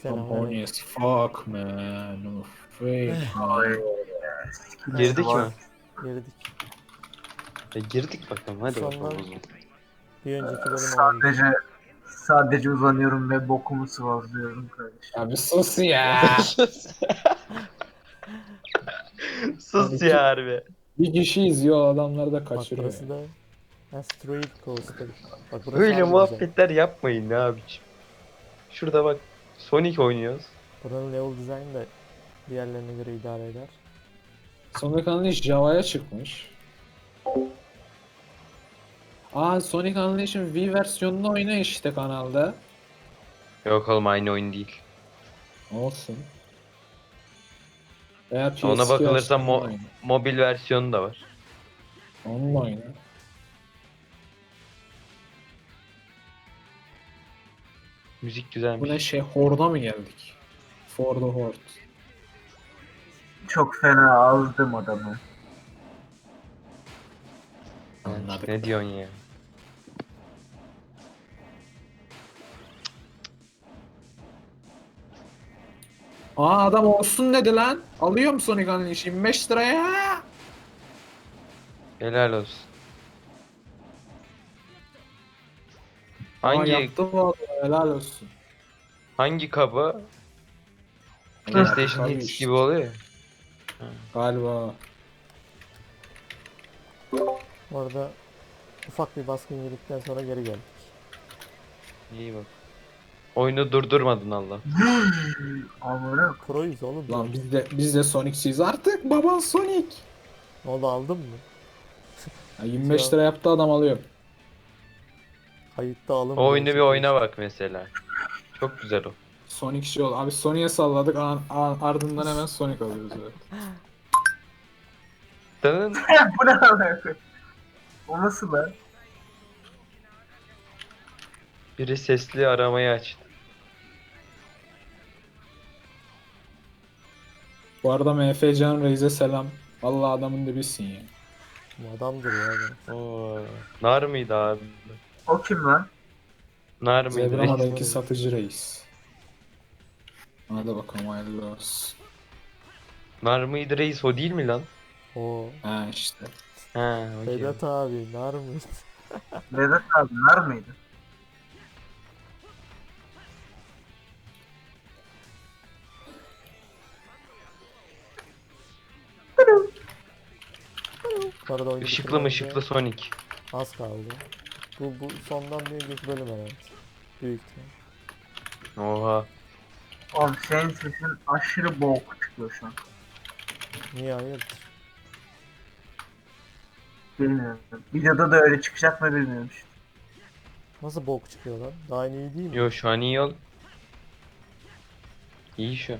I'm Selamünaleyküm. horny as fuck man. I'm afraid Ay, man. girdik mi? Girdik. Girdik bakalım hadi bakalım Sondan o zaman. bir önceki bölüm olabilir. Sadece uzanıyorum ve bokumu sıvazlıyorum kardeşim. Abi sus ya. Sus ya harbi. Bir kişi izliyor, adamları da Bak kaçırıyor. burası da Asteroid Coaster. Bak burası Böyle harbi güzel. muhabbetler yapmayın ne abiciğim. Şurada bak Sonic oynuyoruz. Buranın level design da diğerlerine göre idare eder. Sonic Unleashed Java'ya çıkmış. Sonic Unleashed'in Wii versiyonunu oyna işte kanalda. Yok oğlum aynı oyun değil. Olsun. Veya PS2 Ona bakılırsa versiyonunu oyna. mobil versiyonu da var. Onunla oyna. Müzik güzelmiş. Bu ne şey, Horde'a mı geldik? For the Horde. Çok fena azdım adamı. Anladık. Ne diyorsun ya? Adam olsun dedi lan. Alıyor mu Sonic Unleashed 25 liraya? Helal olsun. Hangi Yaptı vallahi, helal olsun. hangi kabı? Helal, PlayStation tabii Hits işte. gibi oluyor ya. Galiba. Bu arada ufak bir baskın yedikten sonra geri geldik. İyi bak. Oyunu durdurmadın Allah. Amına Pro'yuz oğlum. Lan zaten. biz de Sonic'siyiz artık. Baban Sonic. Ne oldu aldın mı? 25 lira yaptı, adam alıyor. Kayıtta alın. O oyunu bir oyna bak mesela. Çok güzel o. Sonic şey oldu. Abi Sonic'e salladık. Ardından hemen Sonic alıyoruz. Evet. Dın. bu ne alaka? O nasıl lan? Biri sesli aramayı açtı. Bu arada MF Can Reis'e selam. Vallahi adamın dibisin ya. Bu adamdır ya. adam. Oo. Nar mıydı abi? O kim lan? Nar mıydı? Zebrama'daki Reis. satıcı reis. Hadi bakalım, hayırlı olsun. Nar mıydı reis o değil mi lan? O Ha işte. Ha, okey. Vedat abi nar mı? Vedat abi nar mıydı? Bu arada oyunu Işıklı bitirmemize ışıklı Sonic. az kaldı. Bu sondan bir önceki bölüm herhalde. Büyük ihtimal. Oha. Oğlum senin sesin aşırı boğuk çıkıyor şu an. Niye hayırdır? Bilmiyorum. Videoda da öyle çıkacak mı bilmiyorum işte. Nasıl bok çıkıyor lan? Daha iyi değil mi? Yo şu an iyi ol. İyi şu an.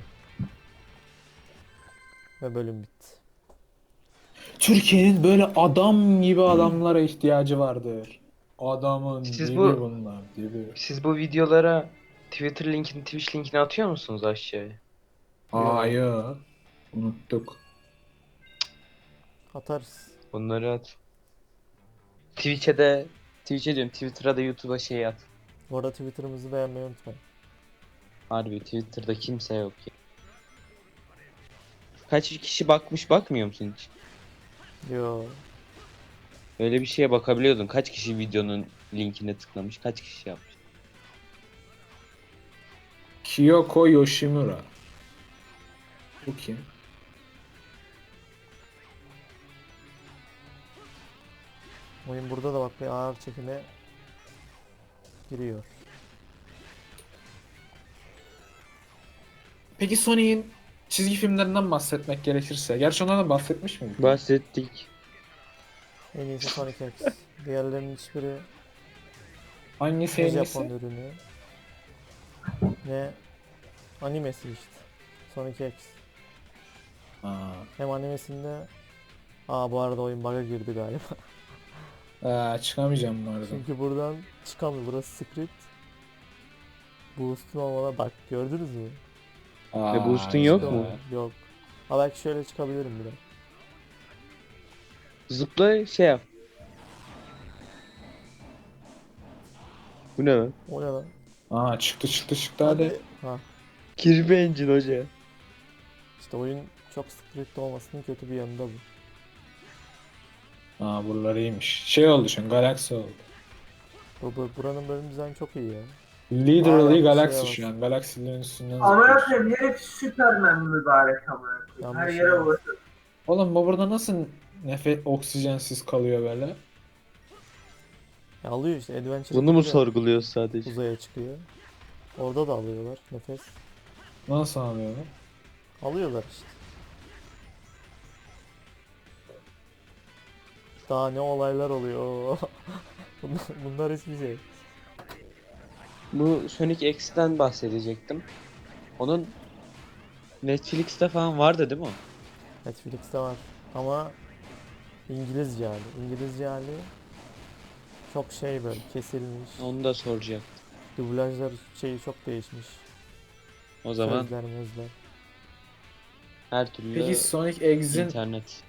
Ve bölüm bitti. Türkiye'nin böyle adam gibi adamlara ihtiyacı vardır. Adamın Siz dibi bu- bunlar, dibi. Siz bu videolara Twitter linkini, Twitch linkini atıyor musunuz aşağıya? Hayır. Unuttuk. Atarız. Bunları at. Twitch'e diyorum, Twitter'a da YouTube'a şey at. Bu arada Twitter'ımızı beğenmeyi unutmayın. Harbi Twitter'da kimse yok ya. Kaç kişi bakmış, bakmıyor musun hiç? Yo. Öyle bir şeye bakabiliyordun. Kaç kişi videonun linkine tıklamış, kaç kişi yapmış. Kyoko Yoshimura. Bu kim? Oyun burada da bak bir ağır çekime giriyor. Peki Sonic'in çizgi filmlerinden bahsetmek gerekirse. Gerçi onlardan bahsetmiş miydik? Bahsettik. En iyisi Sonic X. Diğerlerinin hiçbiri Hangisi ne en Japon iyisi? ürünü ne animesi işte. Sonic X. Ha. Hem animesinde bu arada oyun bug'a girdi galiba. Çıkamayacağım bu arada. Çünkü buradan çıkamıyor. Burası script. Boost'un olmadan bak gördünüz mü? Ve boost'un yok güzel. mu? Yok. Ha belki şöyle çıkabilirim biraz. Zıpla şey yap. Bu ne lan? O ne lan? Çıktı hadi. Ha. Kirby Engine hoca. İşte oyun çok strict olmasının kötü bir yanı da bu. Aa buralar iyiymiş. Şey oldu şu an Galaxy oldu. Buranın bölüm dizaynı çok iyi ya. Literally yanlış Galaxy şeye şu an. Galaxy'lerin üstünden Amına zıplıyorsun. koyayım herif Süpermen mübarek amına koyayım. Her Yanlış yere yere. ulaşıyor. Oğlum bu burada nasıl oksijensiz kalıyor böyle? Ya alıyor işte Adventure Bunu mu gibi de sorguluyoruz sadece? uzaya çıkıyor. Orada da alıyorlar nefes. Nasıl alıyorlar? Alıyorlar işte. Daha ne olaylar oluyor. bunlar hiçbir şey. Bu Sonic X'ten bahsedecektim. Onun Netflix'te falan vardı değil mi o? Netflix'te var ama İngilizce hali. İngilizce hali çok şey böyle kesilmiş. Onu da soracak. Dublajlar şeyi çok değişmiş. O zaman Sözler mözler. her türlü Peki Sonic X'in internet.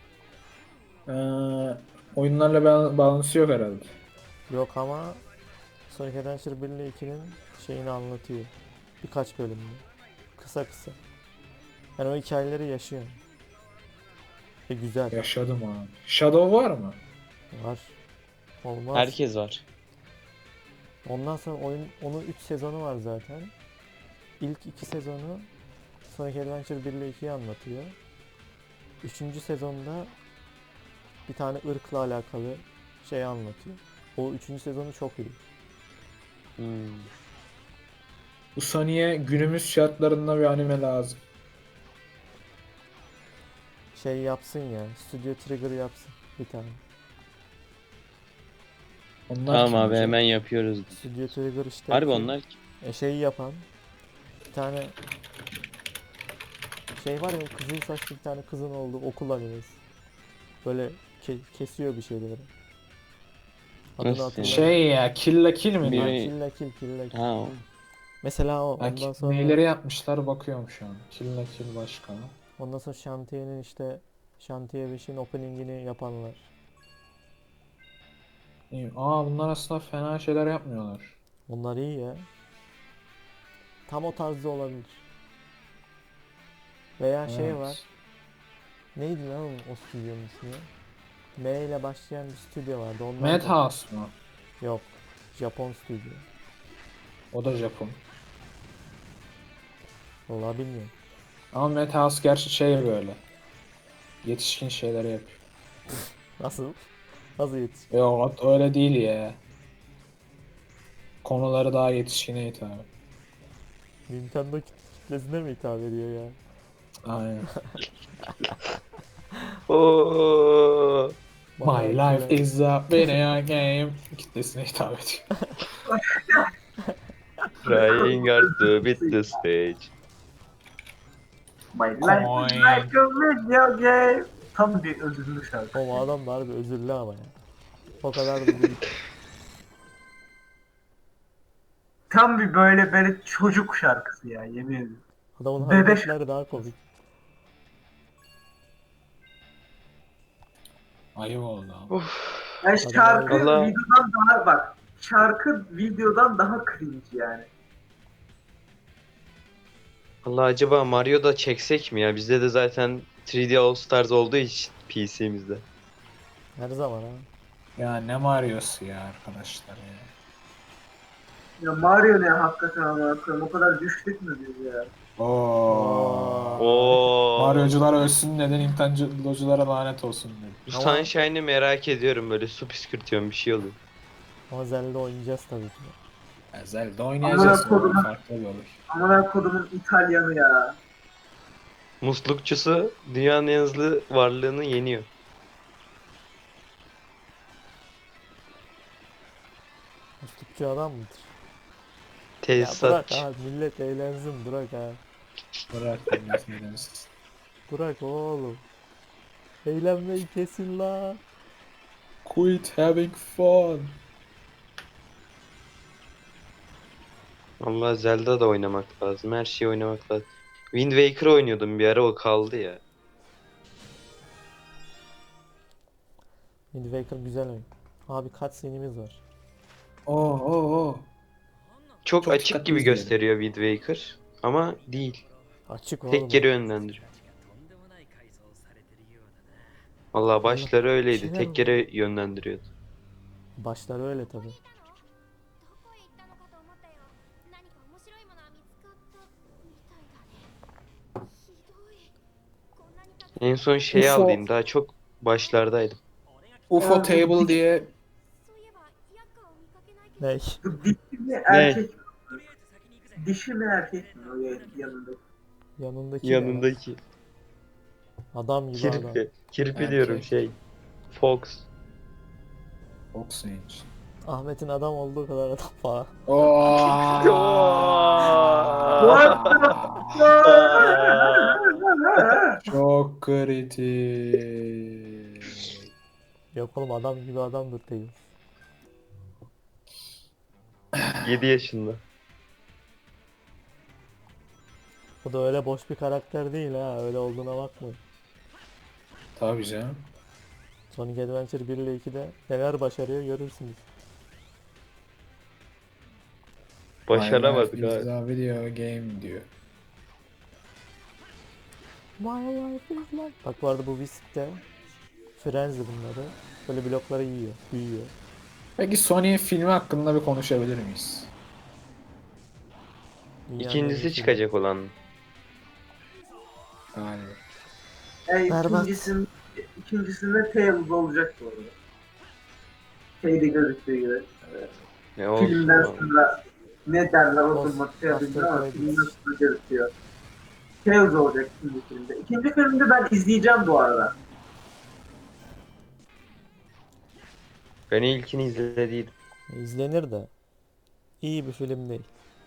oyunlarla bağlantısı yok herhalde. Yok ama Sonic Adventure 1 ile 2'nin şeyini anlatıyor. Birkaç bölümde. Kısa kısa. Yani o hikayeleri yaşıyor. Ve güzel. Yaşadım abi. Shadow var mı? Var. Olmaz. Herkes var. Ondan sonra onun 3 sezonu var zaten. İlk 2 sezonu Sonic Adventure 1 ile 2'yi anlatıyor. 3. sezonda bir tane ırkla alakalı şey anlatıyor. O 3. sezonu çok iyi. Hmm. Bu Sonic'e günümüz şartlarında bir anime lazım. Şey yapsın ya, Studio Trigger yapsın bir tane. Onlar Tamam kim abi hocam? hemen yapıyoruz. Studio Trigger işte Harbi onlar kim? şeyi yapan bir tane şey var ya, kızıl saçlı bir tane kızın olduğu okul animesi. Böyle kesiyor bir şeyleri. Adını Nasıl hatırlamıyorum. Şey ya Kill la Kill mi? Bir- Ha, lan? Kill la Kill, Kill la Kill. Ha o. Mesela o. Ha, Ondan sonra Neyleri yapmışlar bakıyorum şu an. Kill la Kill başka. ondan sonra Shantae'nin işte Shantae 5'in openingini yapanlar. İyi. Aa bunlar aslında fena şeyler yapmıyorlar. Onlar iyi ya. Tam o tarzda olabilir. Veya şey Evet. var. Neydi lan o stüdyonun ismi? M ile başlayan bir stüdyo vardı. Onlar da- Madhouse mu? Yok. Japon stüdyo. O da Japon. Vallahi bilmiyorum. Ama Madhouse gerçi şey böyle. Yetişkin şeyler yapıyor. Nasıl? Nasıl yetiş? Yok öyle değil ya. Konuları daha yetişkine hitap. Nintendo kitlesine mi hitap ediyor ya? Aynen. Oo. Bayağı My life güzel. is a video game. Kitlesine hitap ediyor. Trying hard to beat the stage. My life is like a video game. Tam bir özürlü şarkı. O adam da harbi özürlü ama ya. O kadar da değil. Tam bir böyle çocuk şarkısı ya yemin ederim. Adamın Bebek- hareketleri daha komik. Ayıp oldu ama. Yani Adam şarkı Allah. videodan daha bak. Şarkı videodan daha cringe yani. Allah acaba Mario da çeksek mi ya? Bizde de zaten 3D All Stars olduğu için PC'mizde. Her zaman ha. Ya ne Mario'su ya arkadaşlar ya. Ya Mario ne hakikaten ama o kadar düştük mü biz ya? Oo. Oo. Mario'cular ölsün dedi, Nintendo'culara lanet olsun dedi. Bu Ama- Sunshine'ı merak ediyorum, böyle su püskürtüyorum bir şey oluyor. Ama Zelda oynayacağız tabii ki. Ya Zelda oynayacağız. Amına kodum. Farklı bir olur. Amına kodumun İtalyanı ya. Muslukçusu dünyanın en hızlı varlığını yeniyor. Muslukçu adam mıdır? Ya bırak Tesisatçı. ha, millet eğlensin, bırak ha. Bırak dinlesin. Bırak oğlum. Eğlenmeyi kesin la. Quit having fun. Vallahi Zelda da oynamak lazım. Her şeyi oynamak lazım. Wind Waker oynuyordum bir ara, o kaldı ya. Wind Waker güzel oyun. Abi cutscene'imiz var. Oo. Çok, Çok açık dikkatli gibi izleyelim. gösteriyor Wind Waker. Ama değil. Açık oğlum. Tek geri yönlendiriyor. Vallahi başları öyleydi. şeyler Tek var. geri yönlendiriyordu. Başları öyle tabi. どこへ行ったのかと思ったよ。何か面白いものは見つかったみたいだね。ひどい。こんなにたくさん En son şeyi UFO. aldıydım. Daha çok başlardaydım. UFO Ya, Table diye そういえばヤッカーを見かけないけど。 Ne? Bu dişi mi erkek mi? Dişi mi erkek mi o yanında? Yanındaki ne lan? Yanındaki. Adam gibi adam. Kirpi. Kirpi Erkek. diyorum şey. Fox. Oxygen. Ahmet'in adam olduğu kadar adam falan. Çok kritik. Yok oğlum adam gibi adamdır Tails. 7 yaşında. Bu da öyle boş bir karakter değil ha. Öyle olduğuna bakmayın. Tabii canım. Sonic Adventure 1 ile 2'de neler başarıyor görürsünüz. Başaramadık My life is abi. a video game diyor. My life is like... Bak bu arada bu Whisk'te Frenzy bunları. Böyle blokları yiyor, büyüyor. Peki Sony filmi hakkında bir konuşabilir miyiz? Dünyanın en iyi İkincisi filmi. çıkacak olan. Galiba. Berbat. İkincisinde Tails olacak bu arada. Şeyde gözüktüğü gibi. Ne olsun. Filmden oğlum. sonra ne derler o Post- zaman şey yapayım ama post- filmden sonra gözüküyor. Tails olacak ikinci filmde. İkinci filmde ben izleyeceğim bu arada. Ben ilkini izlediydim. İzlenir de. İyi bir film değil.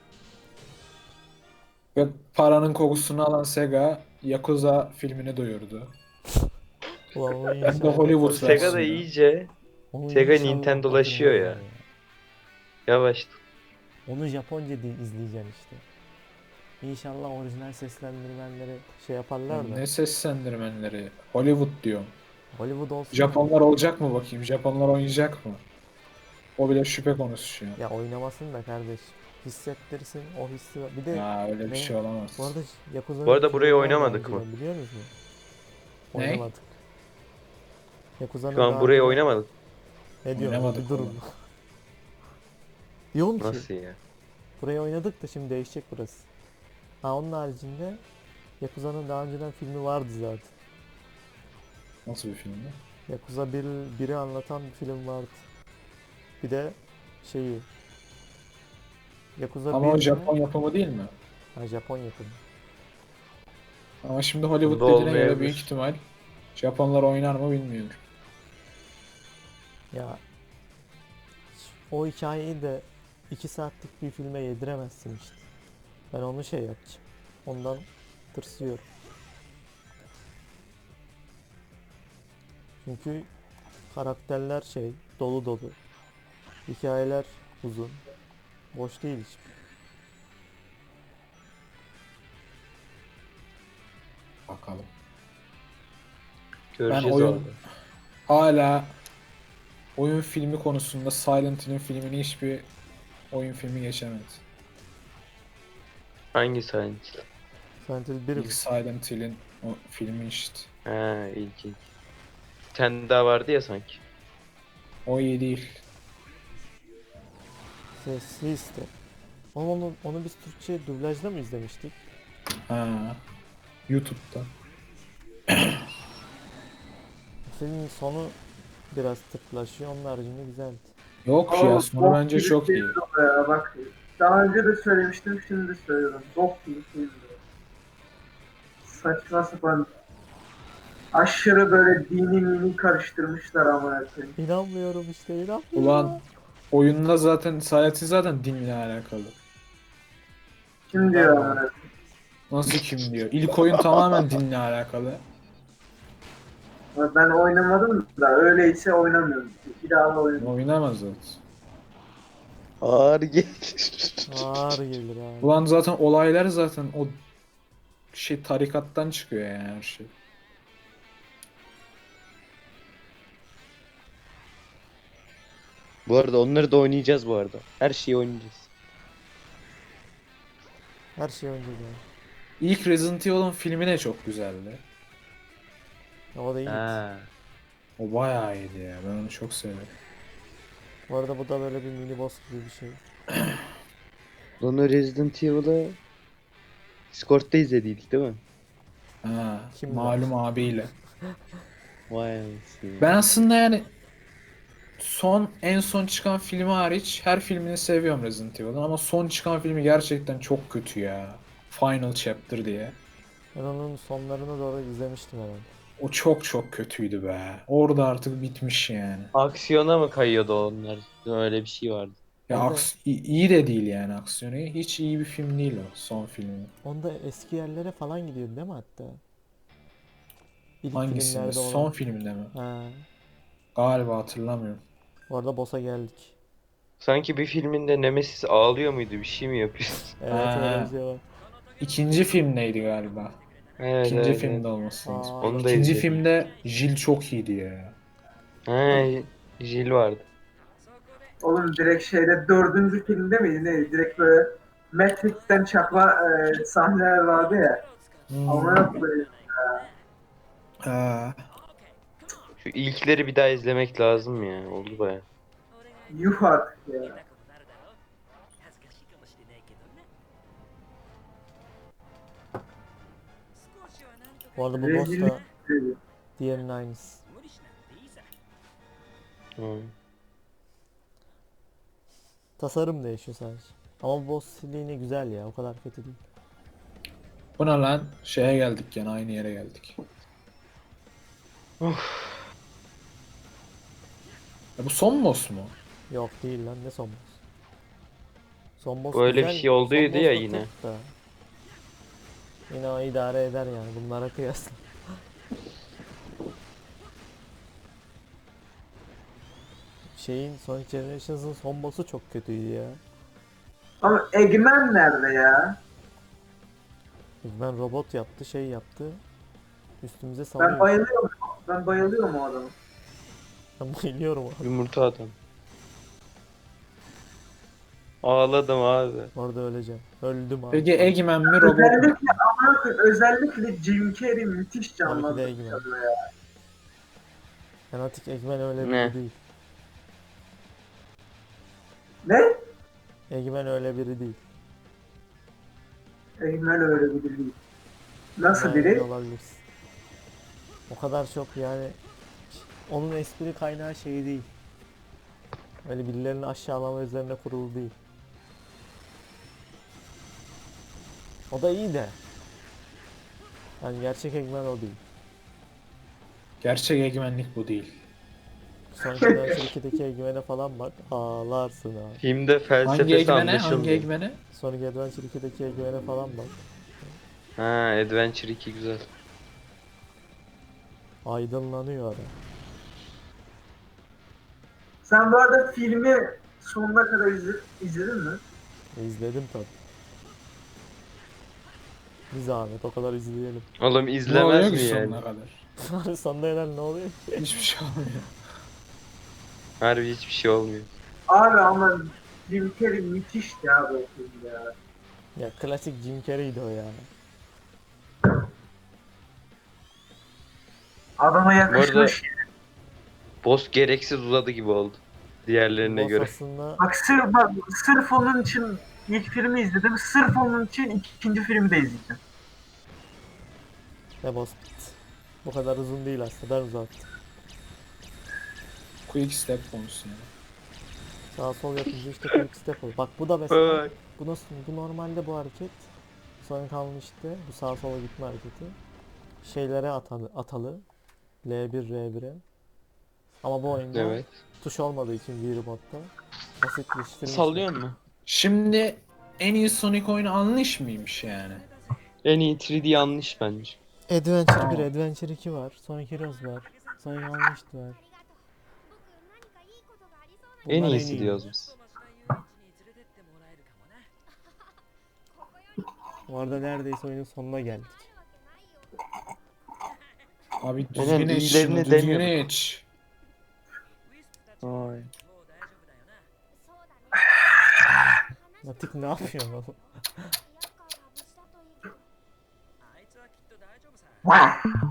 Ve paranın kokusunu alan Sega Yakuza filmini duyurdu. Ulan onu Hem de inşallah- Hollywood Sega da versiyonu. iyice onu Sega inşallah Nintendo'laşıyor ya. hatırlarlar yavaş. Onu Japonca izleyeceksin işte. İnşallah orijinal seslendirmenleri şey yaparlar da. Ne seslendirmenleri? Hollywood diyorum. Hollywood olsun. Japonlar olacak mı bakayım? Japonlar oynayacak mı? O bile şüphe konusu şu an. Ya oynamasın da kardeş. Hissettirsin o hissi. Bir de Ya öyle bir ne? şey olamaz. bu arada Yakuza'nın Bu arada burayı filmi vardı oynamadık önceden, mı? biliyor musun? Ne? Oynamadık. Yakuza'nın Şu an daha burayı önceden- oynamadık. Ne diyorsun? Oynamadık Bir durun. oğlum. Diyorum ki Nasıl ya? burayı oynadık da şimdi değişecek burası. Ha onun haricinde Yakuza'nın daha önceden filmi vardı zaten. Nasıl bir filmdi? Yakuza 1'i anlatan bir film vardı. Bir de şeyi Yakuza Ama o 1'de Japon yapımı değil mi? Ha, Japon yapımı. Ama şimdi Hollywood Bunda dediğine göre olmayabilir. büyük ihtimal Japonlar oynar mı bilmiyorum. Ya o hikayeyi de 2 saatlik bir filme yediremezsin işte. Ben onu şey yapacağım. Ondan tırsıyorum. Çünkü karakterler şey dolu dolu. Hikayeler uzun. Boş değil hiç. Bakalım. Göreceğiz oyun- orada. Hala oyun filmi konusunda Silent Hill'in filmini hiçbir oyun filmi geçemedi. Hangi sahne? Silent Hill 1 mi? İlk Silent Hill'in o filmi işte. Ha ilk. Bir tane daha vardı ya sanki. O iyi değil. Sesli işte. Onu biz Türkçe dublajda mı izlemiştik? Ha. YouTube'da. Filmin sonu biraz tıklaşıyor. Onun haricinde güzeldi. Yok ya sonu bence çok iyi. Ya, bak daha önce de söylemiştim şimdi de söylüyorum. Bok gibi film. Saçma sapan aşırı böyle dini mini karıştırmışlar ama koyayım. İnanmıyorum işte inanmıyorum. Ulan oyunda zaten Silent Hill zaten dinle alakalı. Kim diyor ama? Nasıl kim diyor? İlk oyun tamamen dinle alakalı. Ben oynamadım da öyleyse oynamıyorum. Bir daha da oynamam. Oynamaz zaten. Ağır gelir. Ağır gelir abi. Ulan zaten olaylar zaten o şey tarikattan çıkıyor yani her şey. Bu arada onları da oynayacağız bu arada. Her şeyi oynayacağız. Her şey önce geldi. İlk Resident Evil'ın filmi de çok güzeldi. O da iyi. Ha. O bayağı iyiydi ya. Ben onu çok seviyorum. Bu arada bu da böyle bir mini boss gibi bir şey. Onu Resident Evil'ı Discord'da izlediydik değil mi? Ha, Kimle? malum abiyle. Vay anasını. Ben aslında yani en son çıkan filmi hariç her filmini seviyorum Resident Evil'ın ama son çıkan filmi gerçekten çok kötü ya. Final Chapter diye. Ben onun sonlarını doğru izlemiştim herhalde. O çok çok kötüydü be. Orada artık bitmiş yani. Aksiyona mı kayıyordu onlar? Öyle bir şey vardı. Ya Orada- iyi de değil yani aksiyonu. Hiç iyi bir film değil o son filmi. Onda eski yerlere falan gidiyordu değil mi hatta? İlk Hangisinde? filmlerde Son olan. filmde mi? Ha. Galiba hatırlamıyorum. Bu arada boss'a geldik. Sanki bir filminde Nemesis ağlıyor muydu? Bir şey mi yapıyor? Evet Ha, öyle ha. bir şey var. İkinci filmdeydi galiba. Evet, İkinci evet, filmde evet. olması lazım. Aa, Onu da İkinci izledim. filmde Jill çok iyiydi ya. Ha, Jill vardı. Oğlum direkt şeyde dördüncü filmde miydi neydi? Direkt böyle Matrix'ten çakma sahneler vardı ya. Ama yok böyle. Ha. Şu ilkleri bir daha izlemek lazım ya. Oldu baya. Yuh artık ya. Bu arada bu boss Rezillik da dedi. diğerinin aynısı. Hı. Tasarım değişiyor sadece. Ama bu boss yine güzel ya, o kadar kötü değil. Bu ne lan? Şeye geldik gene aynı yere geldik. Ya bu son boss mu? Yok değil lan, ne son boss? Son boss Böyle bir güzel, şey olduydu son boss ya da yine. tırt da. Yine o idare eder yani bunlara kıyasla. Sonic Generations'ın son boss'u çok kötüydü ya. Ama Eggman nerede ya? Ben robot yaptı, şey yaptı. Üstümüze Ben salıyor. bayılıyorum. Ben bayılıyorum o adamı. Ben bayılıyorum abi. Yumurta adam. Ağladım abi. Orada öleceğim. Öldüm abi. Peki Eggman mi robot mu? Özellikle özellikle Jim Carrey müthiş Tabii ki de canlandırdı Eggman. tabii ya. Fanatik Eggman öyle Ne? biri değil. Ne? Eggman öyle biri değil. Eggman öyle bir değil. Nasıl Eggman biri? öyle olabilirsin. O kadar çok yani onun espri kaynağı şey değil. Öyle birilerini aşağılama üzerine kurulu değil. O da iyi de. Yani gerçek Eggman o değil. Gerçek Eggman'lik bu değil. Sonic Adventure 2'deki Eggman'e falan bak. Ağlarsın ha. Filmde Hangi felsefesi Eggman'e? Hangi anlaşılmıyor. Eggman'e? Sonic Adventure 2'deki Eggman'e falan bak. Ha, Adventure 2 güzel. Aydınlanıyor adam. Sen bu arada filmi sonuna kadar izledin mi? İzledim tabi. Bir zahmet o kadar izleyelim. Oğlum Ne oluyor izlemez ki mi yani? sonuna kadar? Sonunda helal ne oluyor? Hiçbir şey olmuyor. Harbi hiçbir şey olmuyor. Abi ama Jim Carrey müthişti abi o filmde ya. Ya klasik Jim Carrey'di o ya. Adama yakışmış. Boss gereksiz uzadı gibi oldu. Diğerlerine Boss göre. aslında Bak sırf onun için ilk filmi izledim. Sırf onun için ikinci filmi de izledim. ne boss bit. Bu kadar uzun değil aslında, ben uzattım. Quick step konusu yani. Sağ sol yapınca işte quick step oluyor. Bak bu da mesela, Ay. bu normalde bu hareket Sonic almıştı. Bu sağa sola gitme hareketi. Şeylere atalı. L1 R1'e. Ama bu oyunda Evet. tuş olmadığı için Wii Remote'da basitleştirilmiş. Sallıyor mu? Şimdi en iyi Sonic oyunu Unleash mıymış yani? En iyi 3D yanlış bence. Adventure 1, Tamam. Adventure 2 var. Sonic Heroes var. Sonic Unleashed var. ありがとう僕何かいいことがありそうな En Bunlar iyisi iyi. diyoruz biz. Bu arada neredeyse oyunun sonuna geldik. Abi Aynen, düzgün iç iyilerini şunu, düzgün demiyorduk. iç. Ay. Matik ne yapıyor oğlum? Vah! もうエネルギーが残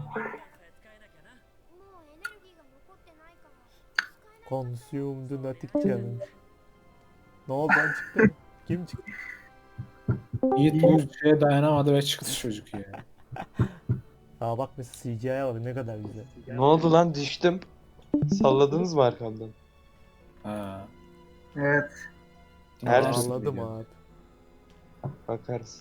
ってないから使えない。 Consumed Natic Challenge. Ne oldu lan çıktı mı? Kim çıktı? Yiğit Yüzce'ye dayanamadı ve çıktı çocuk ya. Aa bak mesela CGI'ye bak ne kadar güzel. Ne oldu lan, düştüm. Salladınız mı arkamdan? Ha. Evet. Her Dinlersin türlü Ağladım diyor. abi. Bakarız.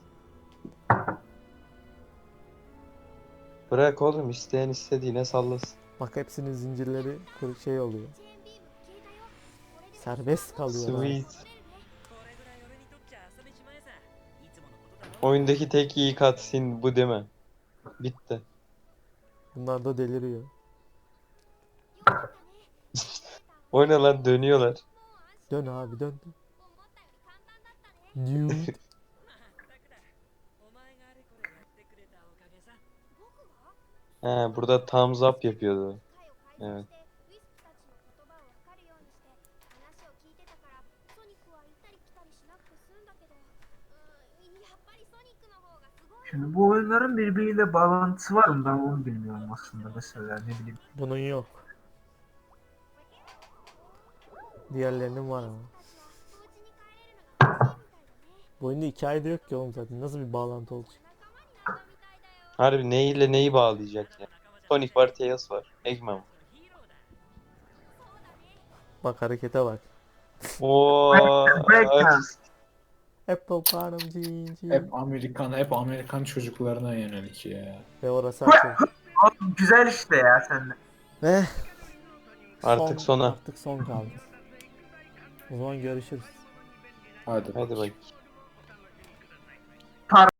Bırak oğlum, isteyen istediğine sallasın. Bak hepsinin zincirleri şey oluyor. チェーンビーム消えたよ。これで Serbest kalıyor abi. Sweet. Oyundaki tek iyi cutscene bu değil mi? Bitti. Bunlar da deliriyor. O ne lan, dönüyorlar. Dön abi dön. Nude. He, burada thumbs up yapıyordu. Evet. ウィスプたちの言葉を分かるようにして話を聞いてたからソニックは行ったり来たりしなくて済んだけど、やっぱりソニックの方がすごい。 Şimdi bu oyunların birbiriyle bağlantısı var mı? Ben onu bilmiyorum aslında mesela ne bileyim. Bunun yok. Diğerlerinin var ama. お家に帰れるのが欲しいみたいだね。 Bu oyunda hikaye de yok ki oğlum zaten. Nasıl bir bağlantı olacak? 仲間になったみたいだよ。 Harbi neyle neyi bağlayacak ya? Sonic var, Tails var. Eggman var. Bak harekete bak. Oo. Breakdance. Apple Farm cin cin. Hep Amerikan çocuklarına yönelik ya. Ve orası açıldı. Oğlum güzel işte ya sende. Ve Artık sona. Artık son kaldı. O zaman görüşürüz. Hadi. Hadi bak.